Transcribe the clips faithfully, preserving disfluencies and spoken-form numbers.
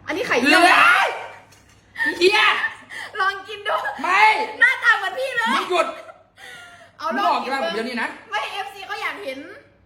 อันนี้ไข่เฮีเยี่ยวยเฮียลองกินดูไม่หน้าตาเหมือนพี่เลยมึงหยุดเอามึลงองบอกกิกันนว่าเดี๋ยวนี้นะไม่เอฟซีเขาอยากเห็น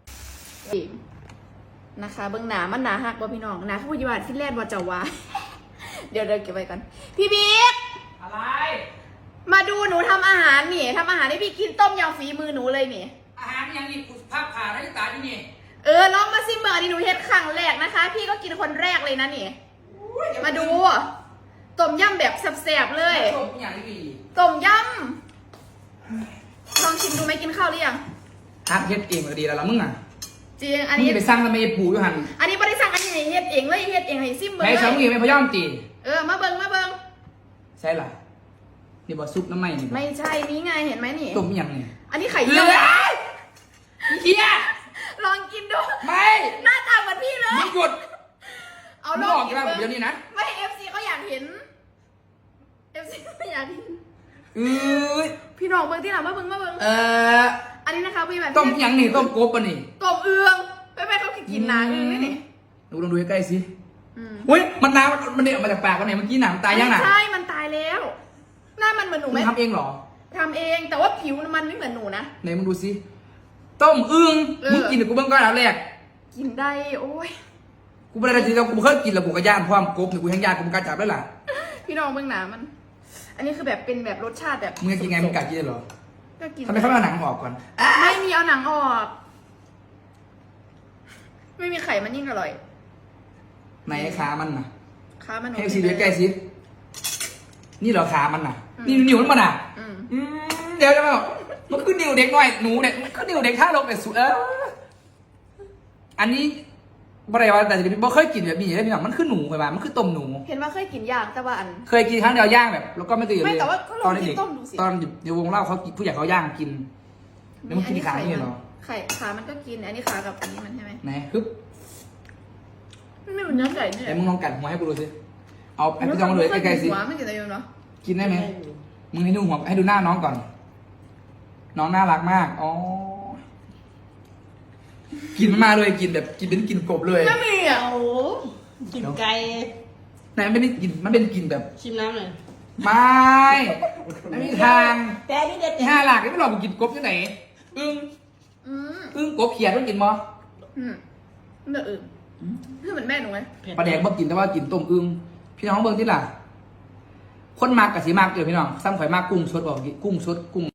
นะคะเบื้องหนามันหนาหักบ่พี่น้องหนาผู้ยิบาทฟินแลนด์ว่าจะว่า เดี๋ยวเดี๋ยวเก็บไว้กันพี่บิ๊กอะไรมาดูหนูทำอาหารนี่ทำอาหารให้พี่กินต้มยำฝีมือหนูเลยนี่อาหารยังนี่กูภาพผ่าได้ตาที่นี่เออลองมาซิมเบอร์นี่หนูเฮ็ดครั้งแรกนะคะ พี่ก็กินคนแรกเลยนะนี่ มาดูต้มยำแบบแซ่บๆเลยชมอย่างนี้ดีต้มยำลองชิมดูไหมกินข้าวหรือยังฮักเฮ็ดเองก็ดีแล้วล่ะมึงอ่ะจริงอันมึงนี้จะไปสร้างทำไมปู่อยู่หันอันนี้บริษัทอันนี้เฮ็ดเองเลยเฮ็ดเองให้ซิมเบอร์แม่เลชาวมึงยเองไม่พยอมตีเออมาเบิ่งมาเบิ่งใช่ล่ะนี่บ่ซุปน้ำไหมนี่บ่ไม่ใช่นี่ไงเห็นไหมนี่ต้มยังนี่อันนี้ไข่เฮีเยี่ยวยเฮียลองกินดูไม่หน้าตาเหมือนพี่เลยมึงหยุดเอามึลงองบอกกิกันนว่าเบิ่งเดี๋ยวนี้นะไม่เอฟซีเขาอยากเห็นเอฟซีเขาอยากเห็นเอ้ยพี่น้องเบิ่งที่หลังมาเบิ่งมาเบิ่งเอ่ออันนี้นะคะพี่แบบต้มยังนี่ต้มกบปะนี่ต้มเอืองไม่ไม่เขากินหนาเอืองนี่นี่ดูลองดูใกล้ๆสิอืมเฮ้ยมันน้ำมันเด็ออกมาจากปากกันเนี่ยเมื่อกี้หนามตายยังน่ะไม่ใช่มันตายแล้ว หน้ามันเหมือนหนูไหมมึงทำเองเหรอทำเองแต่ว่าผิวมันไม่เหมือนหนูนะไหนมึงดูสิต้มอึ่งเออมึงกินเดี๋ยวกูเบิ่งก่อนแล้วแรกกินได้โอ้ยกูไม่ได้จริงๆกูเคยกินแล้วกูก็ย่านพร้อมกบเนี่ยกูแห้งย่านกูมึงกล้าจับได้ล่ะพี่น้องเบิ่งหนามัน อันนี้คือแบบเป็นแบบรสชาติแบบมึงจะกินไงมึงกล้ากินได้เหรอก็กินทำไมเขาไม่เอาหนังออกก่อนอ่ะไม่มีเอาหนังออก ไม่มีไข่มันยิ่งอร่อยไหนขามันน่ะค้ามันให้ซีดูใกล้ๆสินี่เหรอขามันน่ะอืมนี่นิ้วมันมันน่ะอืมอืมเดี๋ยวจะมาบอกมันคือนิ้วเด็กหน่อยหนูเด็กมันคือนิ้วเด็กท่าลงแต่สุดเอออันนี้บริวารแต่จะบ่เคยกินแบบนี้ได้พี่น้องมันคือหนูเคยมามันคือต้มหนูเห็นว่าเคยกินย่างแต่ว่าอันเคยกินครั้งเดียวย่างแบบ แล้วก็ไม่ตื่นเลยไม่แต่ว่าก็ลองตอนกินเด็กต้มดูสิตอนอยู่วงเล่าเขากินผู้ใหญ่เขาย่างกินแล้วมึงกินขาอย่างนี้เหรอไข่ขามันก็กิน อันนี้ขากับอันนี้มันใช่ไหมไหนฮึบมันไม่เหมือนเนื้อไก่เนี่ยแต่มึงลองกัดหัวให้กูดูสิเอาไอ้พี่จองเลยใกล้ๆสิหัวไม่กินอะไรอยู่เนาะกินได้ไหมมึงให้ดูหัวให้ดูหน้าน้องก่อน น้องน่ารักมากอ๋อกินมาเลยกินแบบกินเป็นกินกบเลยไม่มีอ่ะโอ้กินไก่ไหนมันไม่ได้กินมันเป็นกินแบบชิมน้ำหน่อยไม่ไม่มีทางแต่นี่เด็ดที่ห้าหลักนี่ไม่หลอกกูกินกบที่ไหนอึ้งอืมอึ้งกบเขียดต้องกินมั้อืมเนื้ออื่นนี่เหมือนแม่หนูไหมปลาแดงบ่กินแต่ว่ากินต้มอึ้งพี่น้องเบิ่งที่ล่ะ คนมากกับสีมากเดี๋ยวพี่น้องซ้ำข่อยมากกุ้งสดบอกกุ้งสดกุ้ง